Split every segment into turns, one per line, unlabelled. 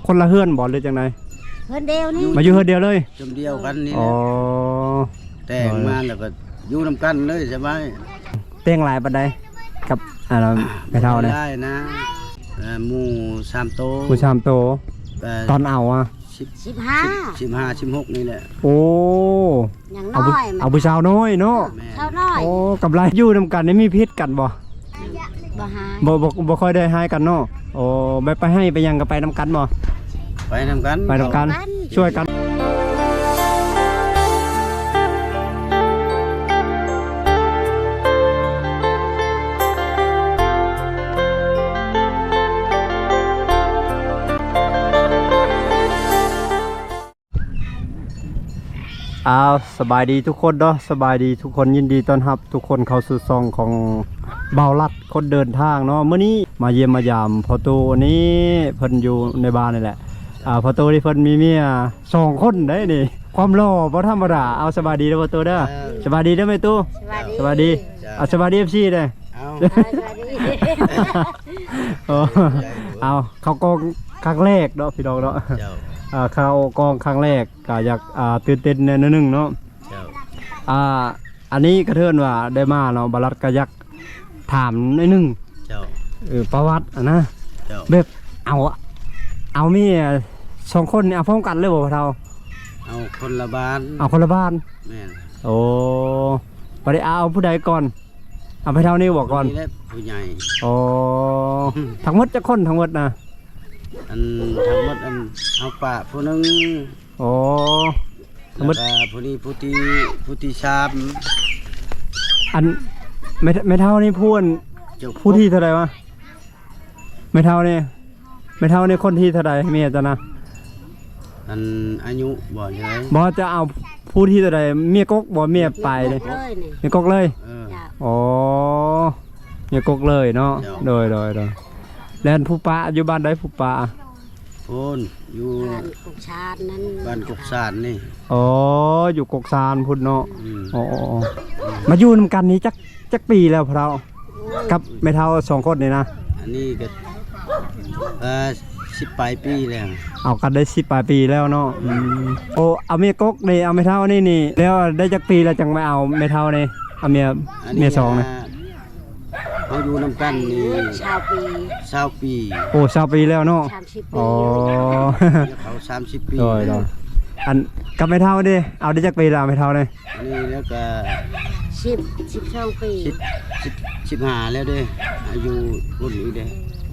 คนละเฮือนบ่หรือจังได
เฮือนเดียวนี่
มาอยู่เฮือนเดียวเลย
จำเดียวกันนี่
อ๋อ
แต่งมาแล้วก็อยู่นำกันเลยใช่ไหม
แต่งหลายปานใดกับไปเท่า
ได้นะหมู่3โต
หมู่3โตตอนเอาอ่ะ
15
16นี่แหละ
โอ้
อย่างน้อย
เอาผู้สาวน้อยเนาะ
สาวน้อย
โอ้กับไรอยู่นำกันนี่มีพิษกันบ่
บ่หาย
บ่ค่อยได้ให้กันเนาะโอ้ไปให้ไปยังก็ไปนำกันบ่
ไปนำกัน
ช่วยกันสบายดีทุกคนเนาะสบายดีทุกคนยินดีต้อนรับทุกคนเข้าสู่ซองของเบาลัดคนเดินทางเนาะเมื่อนี้มาเยี่ยมมายามพอตูนี้เพิ่นอยู่ในบ้านนี่แหละพอตูที่เพิ่นมีเมีย2คนได้นี่ความหล่อบ่ธรรมดาเอาสบายดีเด้อพอตูเด้อสบายดีเด้อแม่ตูสบายดีสบายดี FC เด้อเอาเขากองครั้งแรกเนาะพี่น้องเนาะเข้ากองครั้งแรกก็อยากตื่นเต้นแน่นนึงเนาะอันนี้กระเทือนว่าได้มาเนาะบาลัดก็อยากถามนิดนึงประวัตินะแบบเอามี2คนเอาพร้อมกันเลยบ่เท่า
เอาคนละบ้านแม่น
โอ้บ่ได้เอาผู้ใดก่อนเอาไปเท่านี้บอกก่อน
ผู้ใหญ่
โอ้ทั้งหมดจะคนทั้งหมดนะ
ทั้งหมดเอาป่าผู้นึง
โอ้
ทั้งหมดผู้นี้ผู้ที่ชาม
ไม่เท่านี้ผู้ที่เท่าไรวะไม่เท่านี่คนที่เท่าไรเมียจะนะ
อายุบ่ใช่
บ่จะเอาผู้ที่เท่าไรเมียกกบ่เมียไปเลยเมียกกเลยอ๋อเมียกกเลยเนาะโดยแล้วผู้ป้าอยู่บ้านได้ผู้ป้า
โอนอยู่
บ้านกุกชานนั่น
บ้านกุกชานนี่
อ๋ออยู่กุกชานพุ่นเนาะอ๋อมาอยู่นำกันนี้จักปีแล้วพวกเรากับไม่เท่า2คนนี่นะ
อันนี้ก็10 ปลายปีแล้ว
เอากันได้10 ปลายปีแล้วเนาะโอ้เอาเมียกกนี่เอาไม่เท่านี่แล้วได้จักปีแล้วจังไม่เอาไม่เท่านี่เอาเมีย2นะ
เขาอยู่นำกันนี่20 ปี
โอ้20 ปีแล้วเนาะ
อ๋อ
เขา30 ปี
อันกับไม่เท่าดิเอาได้จักปีแล้วไม่เท่าเลย
นี่แล้วก็
12 ปี
15แล้วเด้อายุรุ่นนี้เด้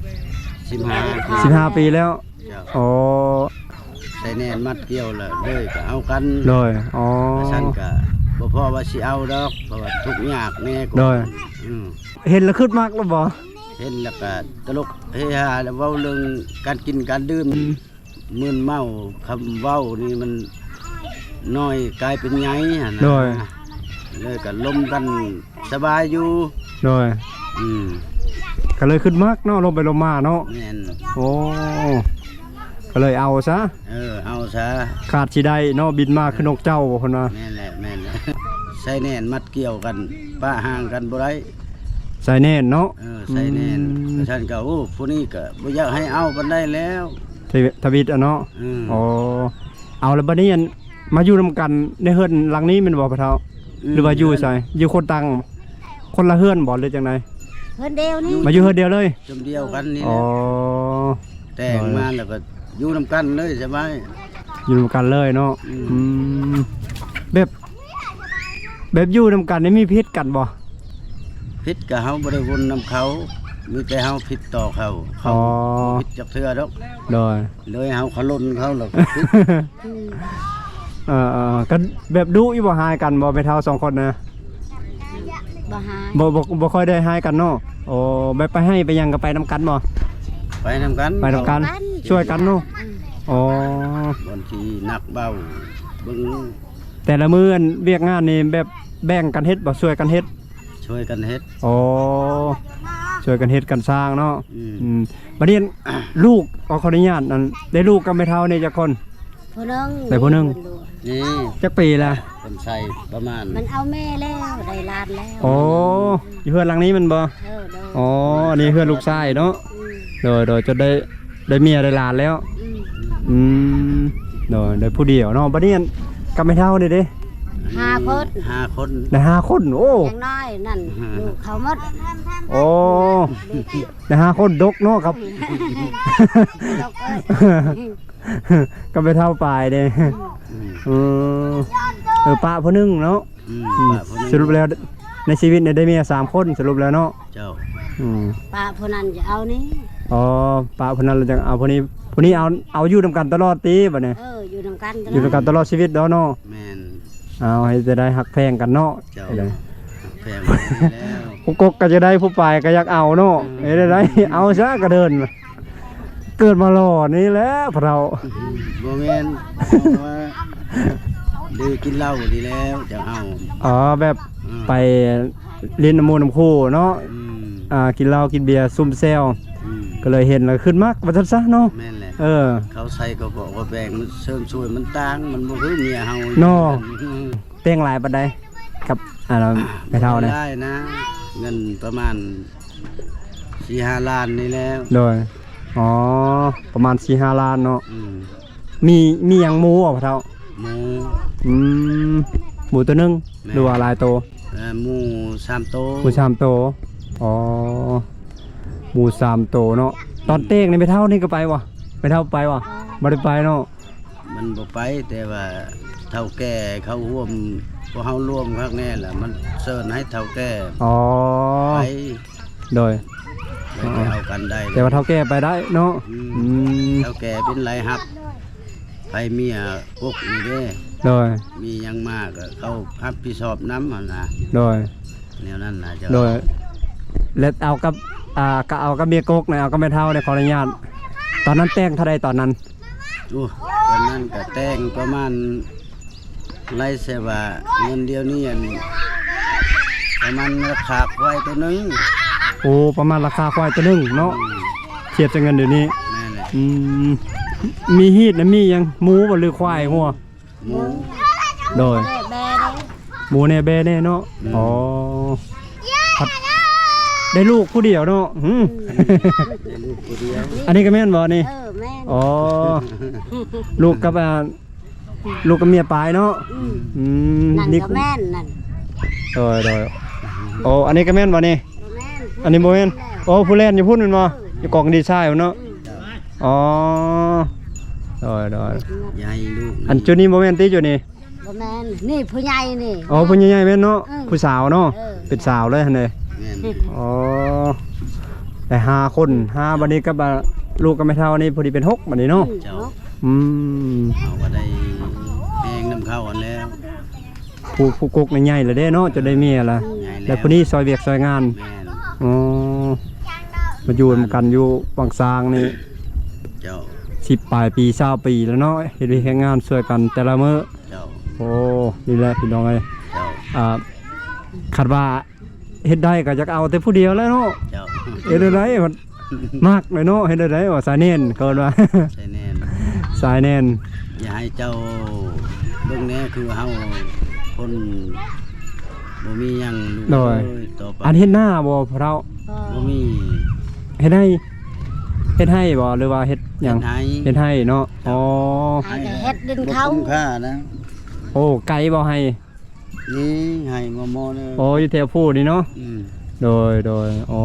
15 ปีแล้วอ๋อ
ใส่แน่นมัดเกี่ยวเลยก็เอากัน
เลยอ๋อ
ฉันก็บ่พอว่าสิเอาดอกเพราะว่าทุกยากแน่ก็
เห็นแล้วขึ้นมากแล้วบ่
เห็นแล้วก็ตลกเฮฮาแล้วเว้าเรื่องการกินการดื่มมึนเมาคำเว้านี่มันน้อยกลายเป็นไงนะเลยก็ลมกันสบายอยู่
เลยก็เลยขึ้นมากเนาะลงไปลงมาเนาะโอ้ก็เลยเอาซะ
เอาซะ
ขาดสิได้เนาะบินมาขึ้นนกเจ้าคนน่ะ
แม่นแหละใส่แน่นมัดเกี่ยวกันป้าห่างกันบ่ได้
ใส่แน่นเนาะ
ใส่แน่นฉันก็โอ้ผู้นี้ก็บ่อยากให้เอากันได้แล้ว
ทวิตเนาะอ๋อเอาแล้วบัดนี้มาอยู่นำกันในเฮือนหลังนี้มันบ่พะเฒ่าหรือว่าอยู่ใส่อยู่คนต่างคนละเฮือนบ่หรือจังได
เฮือนเดียวนี่
มาอยู่เฮือนเดียวเลย
จำเดียวกันนี่อ๋อแต่งมาแล้วก็อยู่นำกันเลยใช่ไหม
อยู่นำกันเลยเนาะแบบอยู่นำกันนี่มีพิษกันบ่
พิษกับเฮาบ่ได้วนนำเขามีแต่เฮาพิษต่อเขาพิษจักเทื่อดอกเลยเฮาขลุ่นเขาหรอก
กันแบบดุอีบ่หายกันบ่ไปเท่า2คนนะ
บ่หาย
บ่ค่อยได้หายกันเนาะโอ้ไปให้ไปยังก็ไปนำกันบ่
ไปนำกัน
ช่วยกันเนาะอ๋
บางทีหนักเบาเบิ่ง
แต่ละมื้อเวียกงานนี่แบบแบ่งกันเฮ็ดบ่ช่วยกันเฮ็ดอ๋อช่วยกันเฮ็ดกันสร้างเนาะบัดนี้ลูกขออนุญาตนั่นได้ลูกก็ไม่เท่านี่จักคนผู้นึงนี่จักปีละ
คนใส่ประมาณ
มันเอาแม่แล้วได้หลานแล้ว
อ๋ออยู่เฮือนหลังนี้มันบ่อ๋อนี่เฮือนลูกชายเนาะโดยจะได้เมียได้หลานแล้วอืมโดยผู้เดียวเนาะบัดนี้กำไม่เท่าเด้
5 คน
5 คน
ได้5คนโอ้
อย่างน้อยนั่นลูกเขาหมด
โอ้ได้5คนดกเนาะครับ
ลูกเอ้ย
ก็ไม่เท่าปลายเด้
อืม
ปะผู้หนึงเนาะ
ป้าผู้นี้
สรุปแล้วในชีวิตเนี่ยได้เมีย3คนสรุปแล้วเนาะ
เจ้า
ป้าผู้นั้นจะเอานี่
อ๋อปะผู้นั้นเราจะเอาผู้นี้เอาอยู่นำกันตลอดตีบัดนี้
อยู่นำกัน
อยู่นำกันตลอดชีวิตเนาะ
แม่น
เอาให้จะได้หักแพงกันเนาะ
เจ้า
ให้ได้
แพงมาแล้ว
ผู้กกก็จะได้ผู้ปลายก็อยากเอาเนาะเฮ็ดได้เอาซะก็เดิน เกิดมาหล่อนี่แหละพวกเรา
บ่แม่นเอาว่าดื้อกินเหล้าดีแล้วจะเอา
อ๋อแบบ
อืม
ไปเล่นน้ำมูน้ำคู่เนาะ
อืม
กินเหล้ากินเบียร์ซุ่มแซว
อืม
ก็เลยเห็นแล้วขึ้นมากว่าซั่นซะเนาะ
แม่นแหละ เขาใส่ก็บอกว่าแบ่งมันเสริมช่วยมันต่างมันบ่คือเมียเฮา
เนาะ
อืม
เป้งหลายปานใดกับเราไม่เท่านะ
ได้นะ เงินประมาณ 4-5 ล้านนี่แล้ว
โดยอ๋อประมาณ 4-5 ล้านเนาะ
อืม
มีหยังหมูอ่ะพ่อเฒ่า
หมู
อืมหมูตัวหนึง
แม่
หรือว่าหลายโตว
หมู3โต
หมู3โตวอ๋อหมู3โตวเนาะตอนเต้งนี่ไม่เท่านี่ก็ไปวะไม่เท่าไปวะบ่ได้ไปเนาะ
มันบ่ไปแต่ว่าเฒ่าแก่เขาร่วมพวกเฮาร่วมข้างแน่ล่ะมันเชิญให้เฒ่าแก่
อ๋อ
ไป
โดย
ไปเอากันได้
แต่ว่าเท่าแก่ไปได้เนาะอืม
เฒ่าแก่เป็นไรฮับไปเมียพวกนี่เด้
โดย
มีหยังมากก็เขารับผิดชอบน้ำหั่นน่ะ
โดย
แนวนั้นน่ะเจ้า
โดยแล้วเอากับก็เอากับเมียกกนะเอากับแม่เท่าในขออนุญาตตอนนั้นแต่งเท่าใดตอนนั้น
โอ้ตอนนั้นก็แต่งประมาณไรเสว่าเงินเดียวนี่อันประมาณราคาควายตัวหนึง
โอ้ประมาณราคาควายตัวหนึงเนาะเทียบจากเงินเดี๋ยวนี้
แม่นแหละ
อืมมีฮีดนะมีหยังหมูบ่หรือควายหัว
หมู
โดย
แบ่
หมูแน่แบแน่เนาะอ๋อครับได้ลูกผู้เดียวเนาะ
ได้ลูกตัวเดียว
อันนี้ก็แม่นบ่นี่
แม่น
อ๋อลูกกับลูกกับเมียปลายเนาะอืม
นั่น
นี่
ก็แม่นนั่น
โดยโอ้อันนี้ก็แม่นบ่นี่
แม่น
อันนี้โมเมนโอ้ผู้เล่นอยู่พุ่นมันบ่อยู่กองดีไซน์พุ่นเนาะอ๋อโดย
ใหญ่ลูก
อันจุดนี้โมเมนต์ที่จุดนี้
บ่แม่นนี่ผู้ใหญ่นี่
อ๋อผู้ใหญ่ๆแม่นเนาะผู้สาวเนาะ
เออ
เป็นสาวเลยหั่นเด้
แม่น
อ๋อได้5คน5บัดนี้ก็ลูกก็ไม่เท่านี้พอดีเป็น6บัดนี้เนาะ
เจ้า
อืม
เอาก็ได้แหงน้ำเข้าอันแล้ว
ผู้กกใหญ่ๆเลยเด้เนาะจะได้เมียล่ะ
ใหญ่
แล้วผู้นี้ซอยเวียกซอยงาน
แม่น
อ๋อมาอยู่นำกันอยู่บางซางนี่
เจ้า
10ปลายปี20ปีแล้วเนาะเฮ็ดเวียกเฮ็ดงานช่วยกันแต่ละมื้อ
เจ้า
โอ้นี่แหละพี่น้องเอ้ย
เจ้า
คาดว่าเฮ็ดได้ก็จะเอาแต่ผู้เดียวแล้วเนาะ
เจ้า
เฮ็ดได้มันมากเลยเนาะเฮ็ดได้ว่าสายเน้นเกินว่า
ใช่แน่น
สายเน้น
อย่าให้เจ้าเบิ่งแน่คือเฮาคนบ่มีหยังลูกเอ้ยต่อไป
อันเฮ็ดหน้าบ่พวกเรา
บ่มี
เฮ็ดให้บ่หรือว่าเฮ็ดหยัง
เฮ็ดให้
เฮ็ดให้เนาะอ๋อ
ให้แต่เฮ็ดดิน
บ่
เขา
คุ้มค่านะ
โอ้ไก่บ่ให้
นี่ให้มอๆเลย
โอ้อยู่แถวผู้นี่เนาะ
อืม
โดยอ๋อ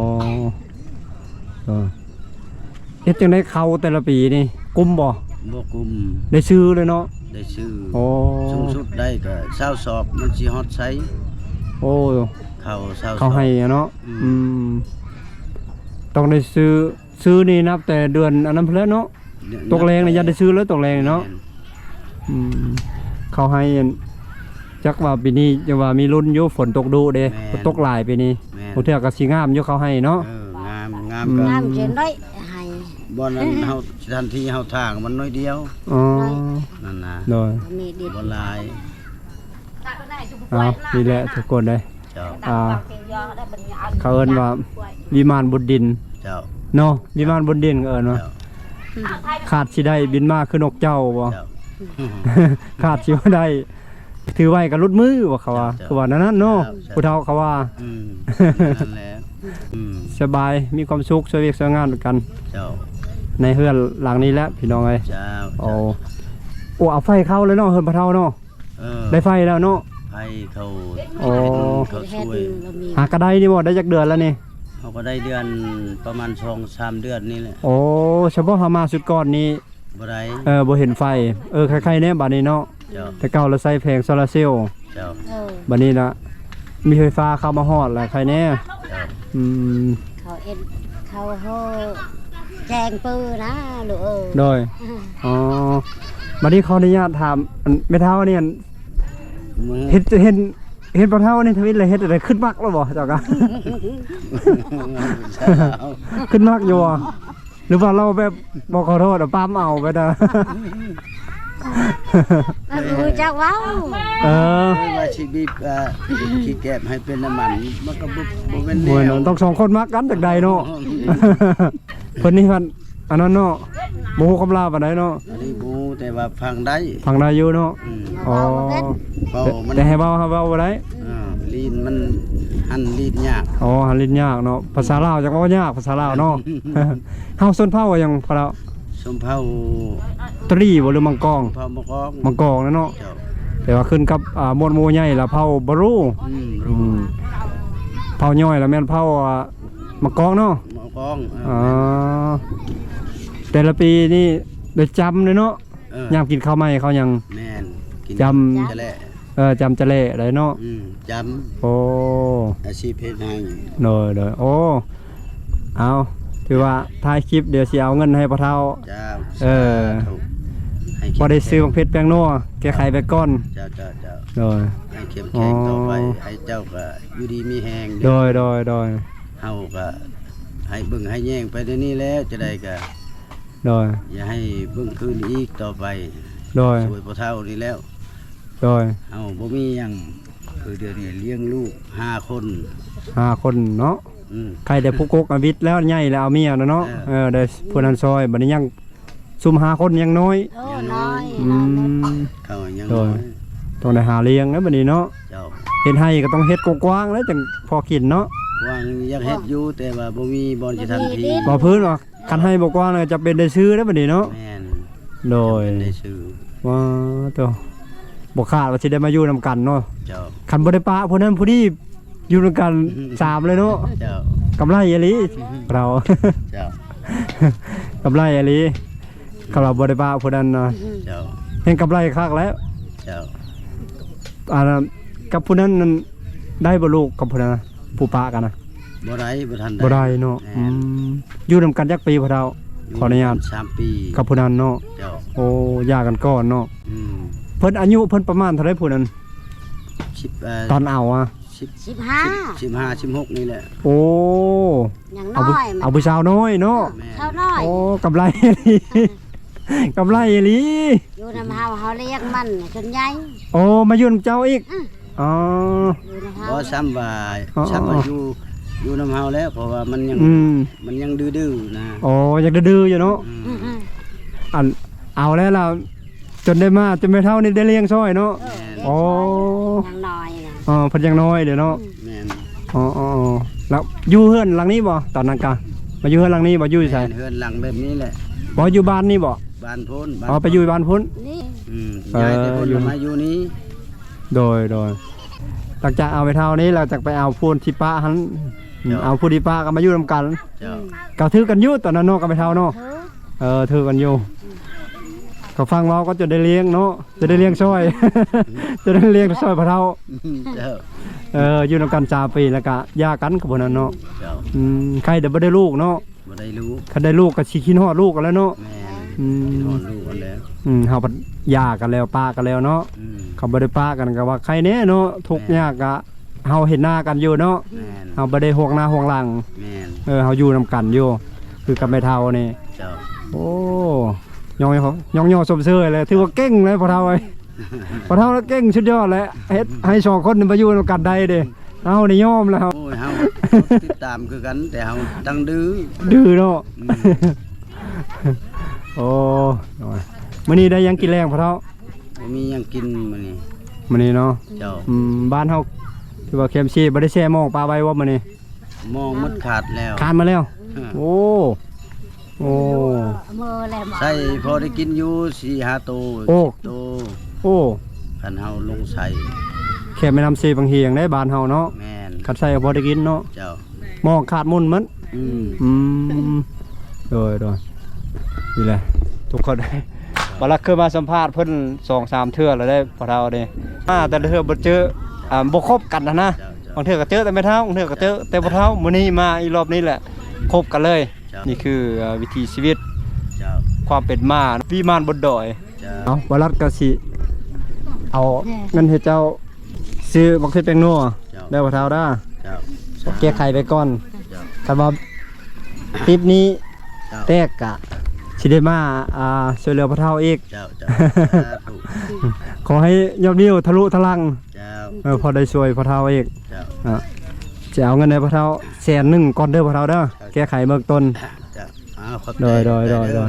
เฮ็ดจังได๋เข้าแต่ละปีนี่กุมบ่
บ่กุม
ได้ซื้อเลยเนาะ
ได้ชื่อ
โอ้
สูงสุดได้ก็20สอบมันสิฮอดไส
โอ้
เข้า20สอบ
เขาให้อะเนาะ
อืม
อืมต้องได้ซื้อนี่นับแต่เดือนอันนั้นเพิ่นแล้วเนาะตกแรงนี่ยันได้ซื้อแล้วตกแรงนี่เนาะอืมเขาให้อันจักว่าปีนี้จะว่ามีรุ่นอยู่ฝนตกดุเด้ฝนตกหลายปีนี้
แม่น
บ่เทื่อก็สิงามอยู่เขาให้เนาะ
งามก็
งามเจนได้ให้
บ่นั้นเฮาทันทีเฮาทางมันน้อยเดียว
อ๋อ
นั่นน่ะ
โดย
มีดิน
บ่หลาย
เอานี่แหละทุกคนเลย
เจ้า
เขาเอิ้นว่าวิมานบนดิน
เจ้า
เนาะวิมานบนดินก็เอิ้นว่า
เจ้า
ขาดสิได้บินมาคือนกเจ้าบ่
เจ้า
ขาดสิบ่ได้ถือไว้กับรุดมือว่าเขาว่า
เจ้า
คือว่านั้นเนาะ
เจ้า
ผู้เฒ่าเขาว่า
นั่นแหละ
สบายมีความสุขช่วยเวียกช่วยงานด้วยกัน
เจ้า
ในเฮือนหลังนี้แล้วพี่น้องเอ้ย
เจ้า
โอ้เอาไฟเข้าเลยเนาะเฮือนพะเฒ่าเนาะ
เออ
ได้ไฟแล้วเนาะ
ให้เขา
โอ้
เขา
เฮ็ด
ช่วย
เรามี
หากระไดนี่บ่ได้จักเดือนแล้วนี่
เขาก็ได้เดือนประมาณ2-3 เดือนนี่แหละ
โอ้เฉพาะเฮามาสุดก่อนนี้
บ่ได้
บ่เห็นไฟใครๆแน่บัดนี้เนาะ
เจ้า
แต่เก่าเราใส่แผงโซลาร์เซลล์
เจ้า
บัดนี้นะมีไฟฟ้าเข้ามาฮอดแล้วใครแน่
เจ้า
อืม
เขาเอ็ดเขาโหแจ้งปืนนะลูกเอ้ย
โดยอ๋อบัดนี้ขออนุญาตถามอันแม่เฒ่าเนี่ย
มือ
เห็นปลาเท่านี่ทวิตเลยเฮ็ดอะไรขึ้นมักแล้วบ่เจ้ากะ ขึ้นมักอยู่บ่หรือว่าเราแบบบอกขอโทษปั๊มเอาไปเด้อ
มันรู้จักเว้า
เออ
ว่าชีวิตขี้แก็บให้เป็นน้ำมันมันก็บ่เป็น
มวย
แน
เนาะ
ว
ต้องสองคนมักกันจากใดเนาะ เพิ่นนี่มันอันนั้นเนาะบ่ฮู้คำลาปานใดเนาะ
อันนี้บูแต่ว่าฟังได้
ฟังได้อยู่เนาะ
อืม
อ๋อ
เบามัน
แต่ให้เว้าบ่ได้
ลีนมันหันลีนยาก
อ๋อหันลิ้นยากเนาะภาษาลาวจักว่ายากภาษาลาวเนาะ เฮาส้นเผาว่าหยังพะเรา
สมเผา
ตรีบ่หรือมังกร
เผามะกอก
มังกรนะเนาะ
เจ้า
แต่ว่าขึ้นกับมวลหมู่ใหญ่แล้วเผาบ่รู้
รู้
เผาย่อยแล้วแม่นเผามังกรเนาะ
มะกอก
อ๋อแต่ละปีนี่ได้จำเลยเนาะ
ย
ามกินข้าวใหม่เขายัง
แม่นกิน
จำ
จะแหละ
จำจะเละได้เนาะ
จ
โอ้
ำอาชีพเพชรให้
โดยโอ้เอาถือว่าท้ายคลิปเดี๋ยวสิเอาเงินให้พ่อเฒ่า
เจ้า
เออ
สาธุให้
พอได้ซื้อของเพชรแป้งนัวแก้ไขไปก่อน
เจ้า
โดย
ให้เข้มแข็งต่อไปให้เจ้าก็อยู่ดีมีแหง
โดย
เฮาก็ให้เบิ่งให้แย่งไปเดี๋ยวนี้แล้วจะได้ก็
โดย
อย่าให้เบิ่งคืนอีกต่อไป
โดย
สวยพอเท่านี้แล้ว
โดย
เฮาบ่มีหยังคือเดี๋ยวนี้เลี้ยงลูก5 คน
5 คนเนาะ ใครได้ผู้กกอวิทย์แล้วใหญ่แล้วเอาเมียเนาะได้ผู้นั้นซอยบัดนี้ยังซุ่ม5 คนยังน้อย
โอ้น้อย
อืม
เขายัง
โด
น้อย ย
ต้องได้หาเลี้ยงนะบัดนี้เนาะ
เจ้า
เฮ็ดให้ก็ต้องเฮ็ดกว้างๆแล้วจังพอกินเนาะ
วางอยากเฮ็ดอยู่แต่ว่าบ่มีบ่อนสิทันที
บ่พื้นว่าคันให้บ่กว้างเลยจะเป็นได้ซื้อแล้วบัดนี้เนาะ
แม่น
โดย
เป็นได้ซื้อ
ว่าตัวบ่คาดว่าสิได้มาอยู่นํกันเนาะ
เจ้า
คันบ่ได้ปะผู้นั้นผู้นี้อยู่นํกัน3เลยเนาะ
เจ้าก
ำไรอีหลีเรา
เจ้าก
ำไรอีหลีคันเราบ่ได้ปะผู้นั้นน่ะ
เจ้า
เห็นกำไรคักแล้ว
เจ้า
กับผู้นั้นนั่นได้บ่ลูกกับผู้นั้นน่ะผู้ปะกันน่ะ
บ่ได้บ่ทัน
บ่ได้เนาะอยู่นํกันจักปีพ่อเฒ่าขออนุญาต
3 ปี
กับผู้นั้นเนาะ
เจ้า
โอ้ยากันก่อนเนาะ
อืม
เพิ่นอายุเพิ่นประมาณเท่าไรผู้นั้น
10
ตอนเอาอ่ะ
15
15 16นี่แหละ
โอ้
อย่าง
เอา
น้อย
เอาผู้สาวน้อยเนาะ
แม่
เท่าน้อย
โอ้กำไรอีหลีกำไรอีหลี
อยู่นำเฮาเลี้ยงมันจนใหญ่
โอ้มาอยู่นำเจ้าอีกอ๋อ
อยู่นำเฮา
บ่ซ้ำว่า
อ๋อ
ซ้ำว่าอยู่นำเฮาแล้วเพราะว่ามันยัง
อืม
มันยังดื้อๆนะ
โอ้อยากดื้อๆอยู่เนาะ
อืม
อันเอาแล้วล่ะจนได้มาจนไม่เท่านี่ได้เลี้ยงซ้อยเนาะ โอ้
อย่างน้อยน่ะ
อ๋อเพิ่นยังน้อยเดี๋ยวเนาะ
แม่น
อ๋อแล้วอยู่เฮือนหลังนี้บ่ตอนนั้นกะมาอยู่เฮือนหลังนี้บ่อยู่ไส
แม่นเฮือนหลังแบบนี้แหละ
บ่อยู่บ้านนี่บ่
บ้านพ้น
อ๋อไปอยู่บ้านพุ่น
นี่
ย้ายแต่พ้น
อยู่
มาอยู่นี้
โดยหลังจากเอาไปเท่านี้เราจะไปเอาพูนที่ป้าหันเอาพูนที่ป้าก็มาอยู่นำกัน
เจ้า
ก็ถือกันอยู่ตอนนั้นเนาะก็ไปเท่าเนาะ
เธอ
ถือกันอยู่ก็ฟังเราก็จะได้เลี้ยงเนาะจะได้เลี้ยงซ้อย จะได้เลี้ยงซ้อยพะเท่า
เจ้า
อยู่นำกัน3 ปีแล้วก็หย่ากันกับพวกนั้นเนาะ
เจ้า
ใครเดี๋ยวบ่ได้ลูกเนาะ
บ่ได้รู้
คันได้ลูกก็สิคิดฮอดลูกกันแล้วเนาะ
แม่น
อื
กิน
ม
ฮอดลูกกันแล้ว
เฮาก็หย่ากันแล้วป้ากันแล้วเนาะ
อืม
เขาบ่ได้ป้ากันก็ว่าใครแน่เนาะทุกข์ยากก็เฮาเห็นหน้ากันอยู่เนาะ
แม่น
เฮาบ่ได้ห่วงหน้าห่วงหลัง
แม่น
เฮาอยู่นำกันอยู่คือกับแม่เฒ่านี่
เจ้า
โอ้ยองสมเสยเลยถือว่าเก่งเลยพ่อเฒ่าเอ้ยพ่อเฒ่าแล้วเก่งสุดยอดเลยเฮ็ดให้2 คนนี่มาอยู่นำกันได้เด้เฮานี่ยอมแล้ว
โอ้ยเฮาติดตามคือกันแต่เฮาตั้งดื้อ
ดื้อเนาะ
อืม
โอ้มื้อนี้ได้ยังกินแรงพ่อเฒ่า
บ่มีหยังกินมื้อนี้
มื้อนี้เนาะ
เจ้า
บ้านเฮาถือว่าเข้มชีบ่ได้แช่หม้องปลาไว้ว่ามื้อนี้
มองหมดขาดแล้ว
คานมาแล้ว โอ้โอ้
มือแหลม
ใส่พอได้กินอยู่4-5ตัว
โอ้
10ตัว
โอ้
คันเฮาลงใส่
แค่ไม่นำเซบางเฮียงได้บ้านเฮาเนาะ
แม่น
คัดใส่ก็พอได้กินเนาะ
เจ้าม
องขาดมุนมัน
อืม
โดยนี่แหละทุกคนได้บลักเคยมาสัมภาษณ์เพิ่น2-3 เทื่อแล้วได้พอเท่าเด้แต่ละเทื่อบ่เจอบ่คบกันนะ
เจ้า
บางเทื่อก็เจอแต่ไม่เท่าบางเทื่อก็เจอแต่บ่เท่ามื้อนี้มาอีรอบนี้แหละคบกันเลย นี่คือวิถีชีวิต
เจ้า
ความเป็นมาวิมานบนดอย
เจ้า
เอาบลัดก็สิเอาเงินให้เจ้าซื้อบักเทศแป้งนัวได้บ่เท่าด้า
เจ้า
แก้ไขไปก่อน
เจ้า
คันว่าคลิปนี้
เจ้า
แตกกะสิได้มาช่วยเหลือพระเฒ่าอีก
เจ้าเจ้าสาธุ
ขอให้ยอดวิวทะลุทะลัง
เจ้า
พอได้ช่วยพระเฒ่าอีก
เจ้า
จะเอาเงินในพระเฒ่า100,000ก่อนเด้อพระเฒ่าเด้อแก้ไขเบื้องต้น
เจ้าขอบใจ
โดย
ให้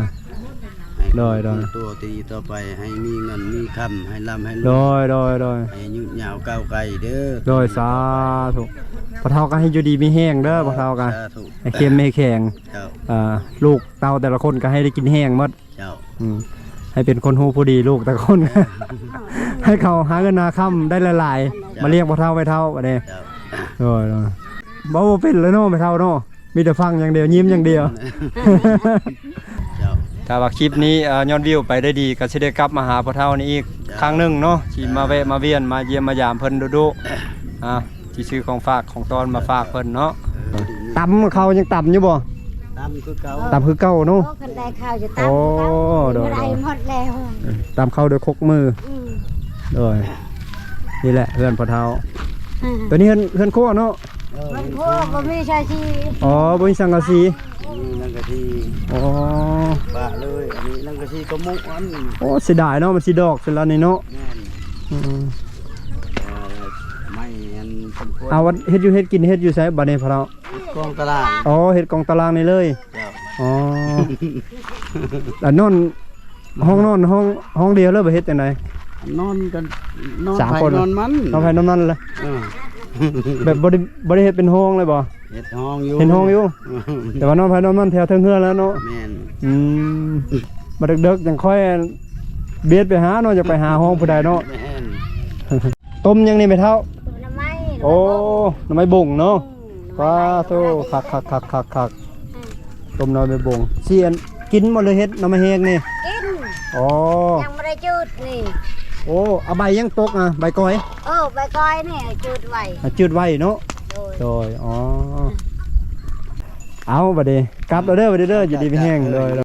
โดย
ตัวตีต่อไปให้มีเงินมีคำให้ร่ำให้ร
โด
วย
ย
ให้ยืดยาวก้าวไกลเด้อ
โดยสาธุพระเฒ่าก็ให้อยู่ดีมีแห้งเด้อพระเฒ่าก็
สาธุ
ให้เข้มให้แข็ง
เจ้า
ลูกเต้าแต่ละคนก็ให้ได้กินแห้งหมด
เจ้า
ให้เป็นคนฮู้ผู้ดีลูกแต่ละคน ให้เขาหาเงินนาค่ำได้หลายๆมาเรียกพระเฒ่าไปเฒ่าบัดนี้
เจ้า
โดยบ่เป็นเลยเนาะไปเฒ่าเนาะมีแต่ฟังอย่างเดียวยิ้มอย่างเดียว
เจ้า
ถ้าว่าคลิปนี้ยอดวิวไปได้ดีก็สิได้กลับมาหาพ่อเฒ่านี่อีกครั้งหนึงเนาะที่มาแวะมาเวียนมาเยี่ยมมายามเพิ่นดุๆที่ซื้อของฝากของตอนมาฝากเพิ่นเนาะตำเขายังตำอยู่บ่
ตามคือเก่า
ตำคือเก่าเนาะ
คันได้ข้าวจะตั้ง
โอ้
เมื่อ
โด
ไร
ย
หมดแล้ว
ตำเข้าด้วยคกมือ
อืม
โดยนี่แหละเพื่อนพ่อเฒ่าตัวนี้เฮือนโคเนาะ
มันพวกบ่มีชาชี
อ๋อบ่มีสังกะสี
นี่นั่งกะที
อ๋อ
ปะเลยอันนี้นั่งกะทีก็มุกอัน
โอ้เสียดายเนาะมันสิดอกเสร็จแล้วนี่เนาะ
แม่น
อืม
ไม่อันสมควร
เอาวัดเฮ็ดอยู่เฮ็ดกินเฮ็ดอยู่ไสบัดนี้พ่อเฒ่า
กองตลาด
อ๋อเฮ็ดกองตารางนี่เลย
เจ้า
อ๋อ แล้วนอนห้องนอนห้องเดียวเลยบ่เฮ็ดจังได
นอนกันนอน
สาม
ไป
คน
นอนมัน
นอนภายนอนนั่นเลย
เออ
แบบบ่ได้เฮ็ดเป็นห้องเลยบ่
เฮ็ดห้องอยู่
เห็นห้องอยู่ แต่ว่านอนภายนอนนั่นแถวเทิงเฮือนแล้วเนาะ
แม่น
อืมมาดึกๆจังค่อยเบียดไปหาเนาะจะไปหาห้องผู้ใดเนาะ
แม่น
ต้มยังนี่ไม่เท่า
น้ำไม้
โอ้น้ำไม้บ่งเนาะว้าโธ่คักต้มน้ำไม้บ่งเสียนกินหมดเลยเฮ็ดน้ำไม้แห้งนี่
กิน
อ๋อ
ยังไม่ได้จุดนี่
โอ้เอาใบยังตกอ่ะใบก้อย
ใบก้อยนี่จุดไว้
จืดไว้เนาะ
โดย
โดยอ๋อเอาบัดนี้กลับแล้วเด้อบัดนี้เด้ออยู่ดีมีแห้งโดย